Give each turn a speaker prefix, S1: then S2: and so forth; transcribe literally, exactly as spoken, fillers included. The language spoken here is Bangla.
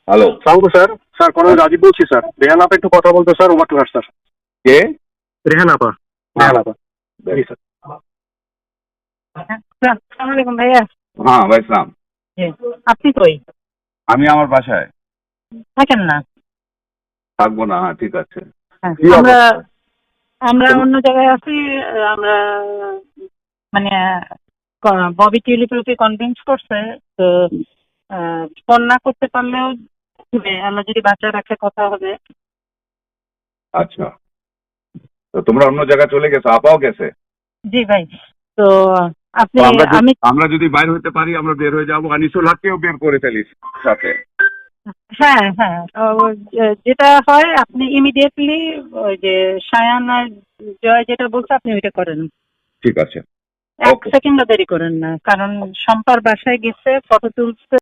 S1: হ্যালো,
S2: সালামু স্যার। স্যার কর্নেল রাজীব বলছি স্যার। রেহান আপা একটু কথা বলতো sir, over to her sir.
S1: কে?
S2: রেহান আপা। রেহান আপা। জি স্যার।
S3: আসসালামু আলাইকুম ভাইয়া।
S1: হ্যাঁ ভাই সালাম।
S3: জি। আপনি কই
S1: আমি আমার বাসায়
S3: থাকেন না?
S1: থাকবো না। হ্যাঁ ঠিক আছে।
S3: হ্যাঁ,
S2: কি
S3: আমরা
S2: অবস্থা?
S3: আমরা অন্য জায়গায় আছি। আমরা মানে ক- ববি টিউলিপকে কনভিন্স করছে তো ফোন না করতে পারলেও মানে আমরা যদি বাচ্চা রাখে কথা হবে।
S1: আচ্ছা, তো তোমরা অন্য জায়গায় চলে গেছো, আপাও গেছে।
S3: জি ভাই। তো আপনি
S1: তো আমরা যদি
S3: আমি
S1: আমরা যদি বাইর হইতে পারি আমরা বের হয়ে যাবো, আনিসুল হককেও বের করে ফেলিস সাথে।
S3: হ্যাঁ হ্যাঁ ও, যে- যেটা হয় আপনি ইমিডিয়েটলি ওই যে সায়ান আর জয় যেটা বলছে আপনি ওইটা করেন।
S1: ঠিক আছে।
S3: এক
S1: ওকে।
S3: সেকেন্ডও দেরি করেন না, কারণ শম্পার বাসায় গেছে, ফটো তুলছে।